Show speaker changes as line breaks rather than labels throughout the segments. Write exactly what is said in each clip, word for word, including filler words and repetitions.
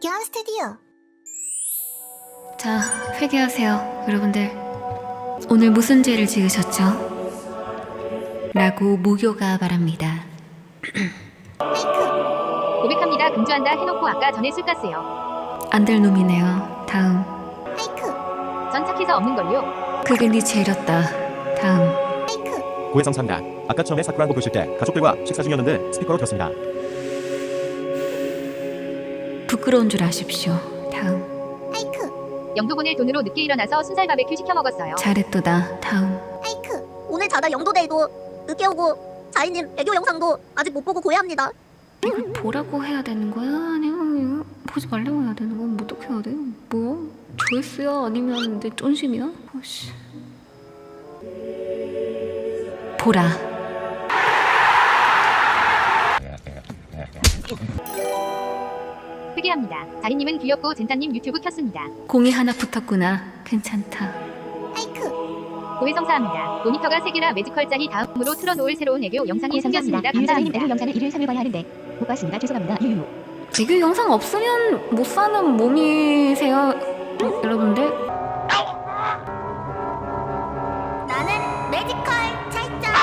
박경함 스튜디오.
자, 회개하세요, 여러분들. 오늘 무슨 죄를 지으셨죠? 라고 무교가 말합니다.
하이쿠.
고백합니다. 금주한다 해놓고 아까 전에 술 깠어요.
안 될 놈이네요. 다음.
하이쿠.
전 착해서 없는걸요.
그게 네 죄였다. 다음.
하이쿠.
고해성 삼다. 아까 처음에 사쿠란고 보실 때 가족들과 식사 중이었는데 스피커로 들었습니다.
부끄러운 줄 아십시오. 다음.
하이쿠.
영도 보낼 돈으로 늦게 일어나서 순살 바베큐 시켜 먹었어요.
잘했도다. 다음.
하이쿠. 오늘 자다 영도데이도 늦게 오고 자이님 애교 영상도 아직 못 보고 고해합니다.
이걸 보라고 해야 되는 거야? 아니면 이거 보지 말라고 해야 되는 거야? 뭐 어떻게 해야 돼? 뭐? 조회수야? 아니면 내 쫀심이야? 아씨. 보라.
회개합니다. 자리님은 귀엽고 젠타님 유튜브 켰습니다.
공이 하나 붙었구나. 괜찮다.
하이쿠.
고해성사합니다. 모니터가 세 개라 매지컬 짝이 다음으로 틀어놓을 새로운 애교 영상이 생겼습니다.
유유사님
감사합니다.
애교 영상을 일일 삼일 봐야 하는데 못 봤습니다. 죄송합니다. 유유.
애교 영상 없으면 못 사는 몸이세요, 여러분들.
나는 매지컬 찰짝.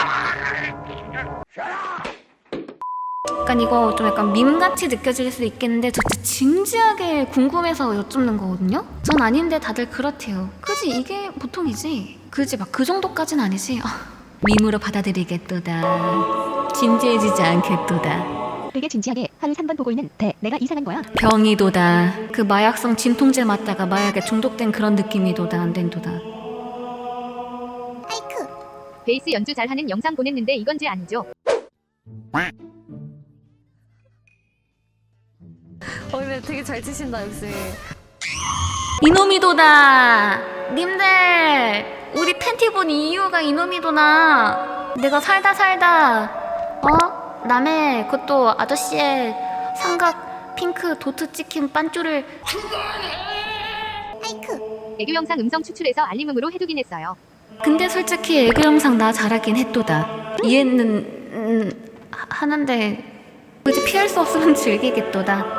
약간 이거 좀 약간 밈같이 느껴질 수도 있겠는데 저 진짜 진지하게 궁금해서 여쭙는 거거든요? 전 아닌데 다들 그렇대요. 그지? 이게 보통이지? 그지? 막 그 정도까진 아니지? 아, 밈으로 받아들이겠도다. 진지해지지 않겠도다.
되게 진지하게 하루 삼 번 보고 있는 대 내가 이상한 거야.
병이도다. 그 마약성 진통제 맞다가 마약에 중독된 그런 느낌이도다. 안 된도다.
하이쿠.
베이스 연주 잘하는 영상 보냈는데 이건 죄 아니죠?
어 근데 되게 잘 치신다 역시.
이놈이도다. 님들 우리 팬티 본 이유가 이놈이도나. 내가 살다 살다 어? 남의 그것도 아저씨의 삼각 핑크 도트 찍힌 빤쭈를
하이쿠.
애교 영상 음성 추출해서 알림음으로 해두긴 했어요.
근데 솔직히 애교 영상 나 잘하긴 했도다. 이해는 음, 하- 하는데 굳이 피할 수 없으면 즐기겠도다.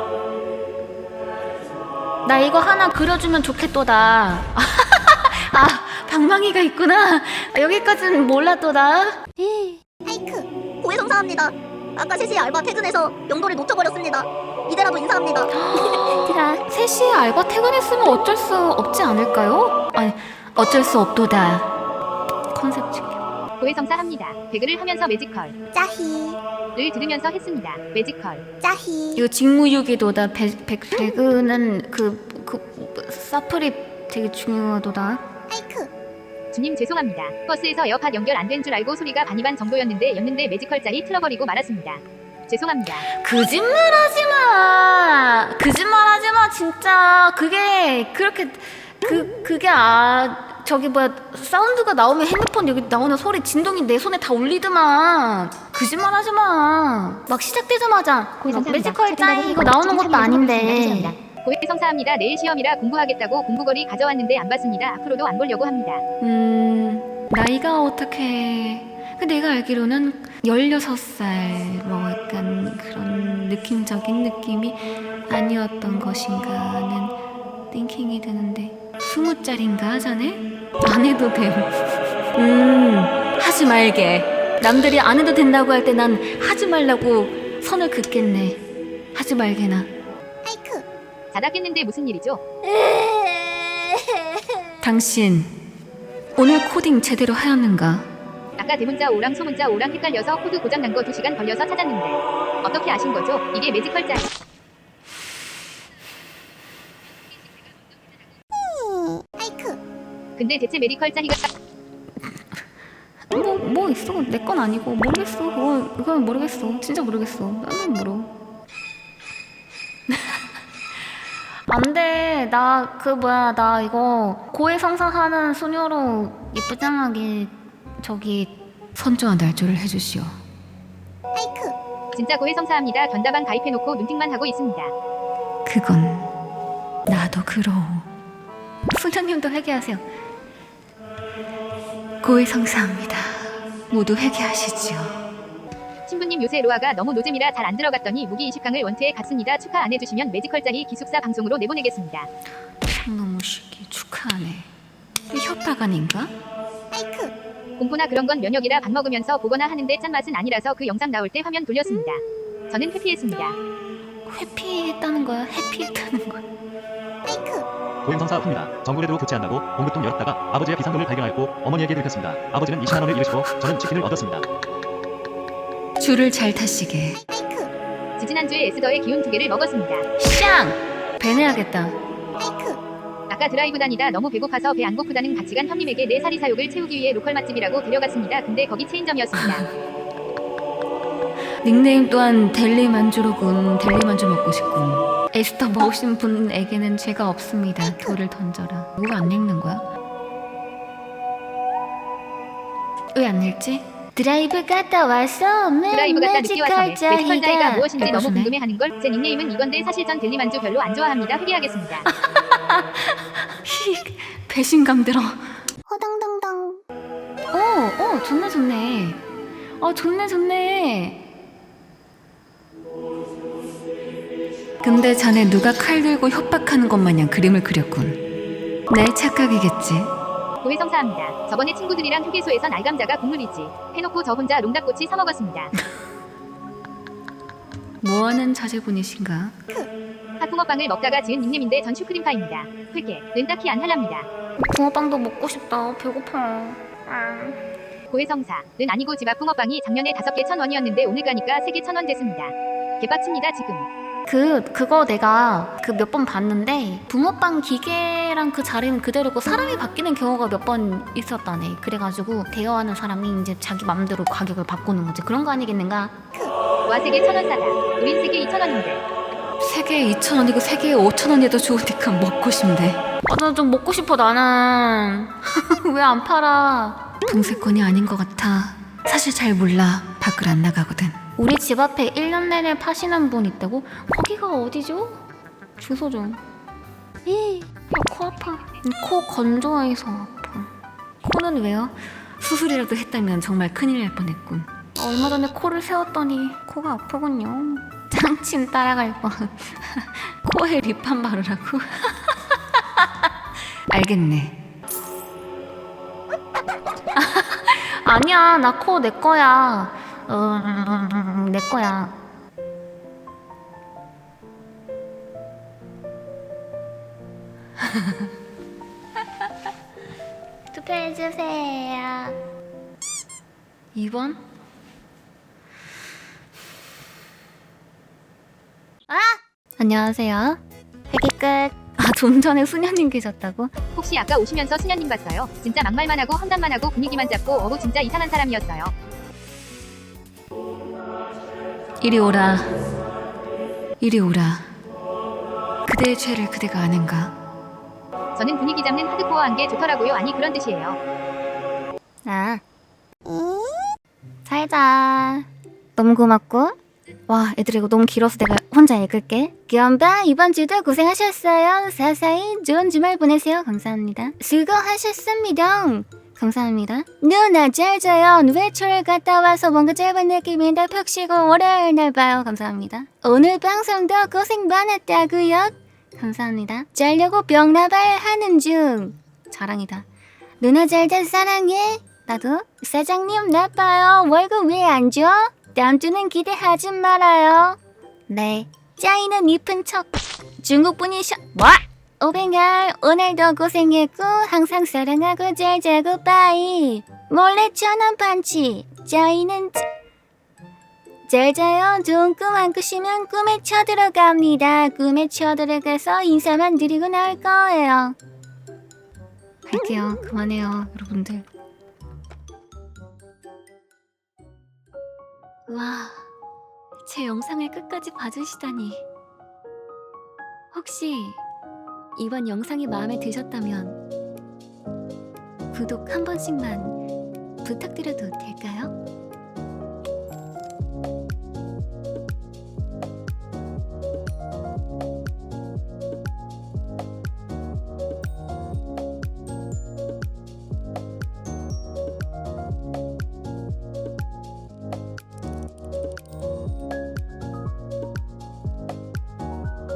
나 이거 하나 그려주면 좋겠도다. 아, 방망이가 있구나. 여기까지는 몰랐도다.
하이쿠. 고해 성사합니다. 아까 세 시에 알바 퇴근해서 영도를 놓쳐버렸습니다. 이대라도 인사합니다.
야, 세 시에 알바 퇴근했으면 어쩔 수 없지 않을까요? 아니, 어쩔 수 없도다. 컨셉 지켜.
고해성사합니다. 배그를 하면서 매지컬을
짜히.
들으면서 했습니다. 매지컬.
짜히.
이거 직무유기도다. 배, 배, 배그는 그, 그, 사플이 되게 중요하도다.
하이쿠.
주님 죄송합니다. 버스에서 에어팟 연결 안 된 줄 알고 소리가 반이반 정도였는데 였는데 매지컬 짝이 틀어버리고 말았습니다. 죄송합니다.
거짓말하지 마. 거짓말하지 마. 진짜 그게 그렇게 그 그게 아 저기 뭐야 사운드가 나오면 핸드폰 여기 나오는 소리 진동이 내 손에 다 울리더만. 거짓말하지 마. 막 시작되자마자 막
고해성사합니다.
매지컬 짜이 이거
지금
나오는 것도
참여해서
아닌데.
고맙습니다.
고해성사합니다. 내일 시험이라 공부하겠다고 공부거리 가져왔는데 안 봤습니다. 앞으로도 안 보려고 합니다.
음 나이가 어떻게? 그 내가 알기로는 열여섯 살 뭐 약간 그런 느낌적인 느낌이 아니었던 것인가 하는 띵킹이 드는데 스무 짜린가 하자네? 안 해도 됨. 음 하지 말게. 남들이 안 해도 된다고 할 때 난 하지 말라고 선을 긋겠네. 하지 말게나.
하이쿠.
자다 깼는데 무슨 일이죠?
당신 오늘 코딩 제대로 하였는가?
아까 대문자 오랑 소문자 오랑 헷갈려서 코드 고장 난 거 두 시간 걸려서 찾았는데 어떻게 아신 거죠? 이게 매지컬 짝.
하이쿠.
근데 대체 메디컬 짝이가
뭐, 뭐 있어. 내 건 아니고. 모르겠어. 그건, 그건 모르겠어. 진짜 모르겠어. 나는 모르. 안 돼. 나, 그, 뭐야. 나 이거 고해성사하는 소녀로 예쁘장하게 저기 선조와 날조를 해주시오.
하이쿠.
진짜 고해성사합니다. 견다방 가입해놓고 눈팅만 하고 있습니다.
그건 나도 그러오. 소녀님도 회개하세요. 고해성사합니다. 모두 회개하시지요.
신부님 요새 로아가 너무 노잼이라 잘 안 들어갔더니 무기 이십 강을 원투에 갔습니다. 축하 안 해주시면 매지컬짜리 기숙사 방송으로 내보내겠습니다.
상놈의 새끼 축하하네. 이 협박 아닌가?
페이크.
공포나 그런 건 면역이라 밥 먹으면서 보거나 하는데 짠맛은 아니라서 그 영상 나올 때 화면 돌렸습니다. 저는 회피했습니다.
회피했다는 거야? 해피했다는 거야?
페이크.
고행성사 픕니다. 정부에도 교체한다고 공급통 열었다가 아버지의 비상금을 발견하였고 어머니에게 들켰습니다. 아버지는 이십만 원을 잃으시고 저는 치킨을 얻었습니다.
줄을 잘 타시게.
페이크.
지지난주에 에스더의 기운 두 개를 먹었습니다.
샹! 배내야겠다.
페이크.
아까 드라이브 다니다 너무 배고파서 배 안 고프다는 같이 간 형님에게 내 사리 사욕을 채우기 위해 로컬 맛집이라고 데려갔습니다. 근데 거기 체인점이었습니다.
닉네임 또한 델리 만주로군. 델리 만주 먹고 싶군. 에스터 먹으신 분에게는 죄가 없습니다. 돌을 던져라. 왜 안 읽는 거야? 왜 안 읽지? 드라이브 갔다 와서
드라이브 갔다 늦게 와서 매지컬 자이가 무엇인지 너무
해보시네.
궁금해하는 걸. 제 닉네임은 이건데 사실 전 델리만주 별로 안 좋아합니다. 회개하겠습니다.
히, 배신감 들어.
호당당당.
오, 오, 좋네, 좋네. 어, 좋네, 좋네. 근데 자네 누가 칼 들고 협박하는 것 마냥 그림을 그렸군. 내 착각이겠지.
고해성사합니다. 저번에 친구들이랑 휴게소에서 날감자가 국물이지 해놓고 저 혼자 롱닭꼬치 사 먹었습니다.
뭐하는 자제분이신가?
핫붕어빵을 먹다가 지은 닉네임인데 전 슈크림파입니다. 회개, 는 딱히 안 할랍니다.
붕어빵도 먹고 싶다. 배고파.
고해성사, 는 아니고 집 앞 붕어빵이 작년에 다섯 개 천 원이었는데 오늘 가니까 세 개 천 원 됐습니다. 개빡칩니다 지금.
그 그거 내가 그 몇 번 봤는데 붕어빵 기계랑 그 자리는 그대로고 사람이 바뀌는 경우가 몇 번 있었다네. 그래가지고 대여하는 사람이 이제 자기 맘대로 가격을 바꾸는 거지. 그런 거 아니겠는가?
와 세 개 천 원 싸다. 우린 세 개 이천 원인데.
세 개에 이천 원이고 세 개에 오천 원이도 좋으니까 먹고 싶네. 아, 나 좀 먹고 싶어 나는. 왜 안 팔아? 동세권이 아닌 것 같아. 사실 잘 몰라. 밖을 안 나가거든. 우리 집 앞에 일 년 내내 파시는 분 있다고? 거기가 어디죠? 주소 좀. 이, 코 아파. 코 건조해서 아파. 코는 왜요? 수술이라도 했다면 정말 큰일 날 뻔했군. 얼마 전에 코를 세웠더니 코가 아프군요. 짱친 따라갈 뻔. 코에 립밤 바르라고? 알겠네. 아니야, 나 코 내 거야. 음, 내 거야. 투표해주세요. 이 번? 아! 안녕하세요. 회기 끝. 아, 좀 전에 수녀님 계셨다고?
혹시 아까 오시면서 수녀님 봤어요? 진짜 막말만 하고 험담만 하고 분위기만 잡고 어우 진짜 이상한 사람이었어요.
이리 오라. 이리 오라. 그대의 죄를 그대가 아는가?
저는 분위기 잡는 하드코어한 게 좋더라고요. 아니 그런 뜻이에요.
아. 살자. 너무 고맙고. 와, 애들 이거 너무 길어서 내가 혼자 읽을게. 귀염바 이번 주도 고생하셨어요. 사사히 좋은 주말 보내세요. 감사합니다. 수고하셨습니다. 감사합니다. 누나 잘 자요. 외출 갔다 와서 뭔가 짧은 느낌인데 푹 쉬고 월요일 날 봐요. 감사합니다. 오늘 방송도 고생 많았다고요. 감사합니다. 자려고 병나발 하는 중. 자랑이다. 누나 잘자 사랑해. 나도. 사장님 나빠요. 월급 왜 안 줘? 다음 주는 기대하지 말아요. 네. 짜이는 이쁜 척. 중국분이셔. 뭐? 오뱅알 오늘도 고생했고 항상 사랑하고 잘 자고 빠이. 몰래 천원 반치. 짜이는 짜... 잘 자요. 좋은 꿈 안 꾸시면 꿈에 쳐들어갑니다. 꿈에 쳐들어가서 인사만 드리고 나올 거예요. 갈게요. 그만해요, 여러분들. 와, 제 영상을 끝까지 봐주시다니. 혹시 이번 영상이 마음에 드셨다면 구독 한 번씩만 부탁드려도 될까요?